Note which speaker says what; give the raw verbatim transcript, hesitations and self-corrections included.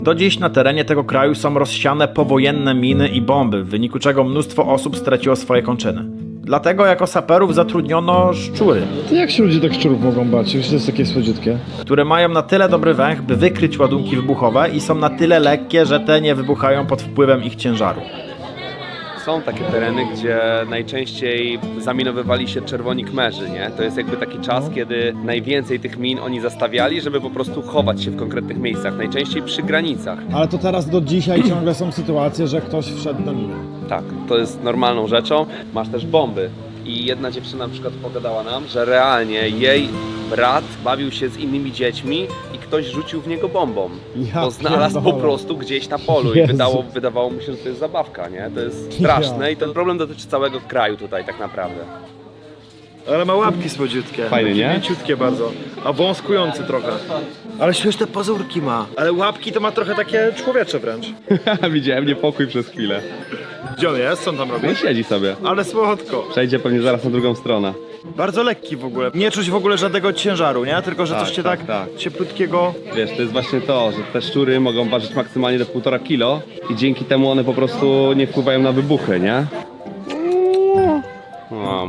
Speaker 1: Do dziś na terenie tego kraju są rozsiane powojenne miny i bomby, w wyniku czego mnóstwo osób straciło swoje kończyny. Dlatego jako saperów zatrudniono szczury,
Speaker 2: To jak się ludzie tak szczurów mogą bać? Już to jest takie słodziutkie.
Speaker 1: które mają na tyle dobry węch, by wykryć ładunki wybuchowe i są na tyle lekkie, że te nie wybuchają pod wpływem ich ciężaru.
Speaker 3: Są takie tereny, gdzie najczęściej zaminowywali się czerwoni kmerzy, nie? To jest jakby taki czas, kiedy najwięcej tych min oni zastawiali, żeby po prostu chować się w konkretnych miejscach, najczęściej przy granicach.
Speaker 2: Ale to teraz do dzisiaj ciągle są sytuacje, że ktoś wszedł na minę.
Speaker 3: Tak, to jest normalną rzeczą. Masz też bomby. I jedna dziewczyna na przykład pogadała nam, że realnie jej brat bawił się z innymi dziećmi i ktoś rzucił w niego bombą.
Speaker 2: Ja
Speaker 3: Bo znalazł po
Speaker 2: pierdolę.
Speaker 3: prostu gdzieś na polu i
Speaker 2: Jezu.
Speaker 3: wydało, wydawało mu się, że to jest zabawka, nie? To jest straszne i ten problem dotyczy całego kraju tutaj tak naprawdę.
Speaker 4: Ale ma łapki słodziutkie.
Speaker 3: Fajny, nie?
Speaker 4: Mięciutkie bardzo. A wąskujący trochę. Ale śmieszne pazurki ma. Ale łapki to ma trochę takie człowiecze wręcz.
Speaker 3: Widziałem niepokój przez chwilę.
Speaker 4: Gdzie on jest? Co on tam robi?
Speaker 3: No siedzi sobie.
Speaker 4: Ale słodko.
Speaker 3: Przejdzie pewnie zaraz na drugą stronę.
Speaker 4: Bardzo lekki w ogóle. Nie czuć w ogóle żadnego ciężaru, nie? Tylko, że
Speaker 3: Tak,
Speaker 4: coś cię
Speaker 3: tak,
Speaker 4: tak,
Speaker 3: tak.
Speaker 4: cieplutkiego...
Speaker 3: Wiesz, to jest właśnie to, że te szczury mogą ważyć maksymalnie do półtora kilo i dzięki temu one po prostu nie wpływają na wybuchy, nie? O,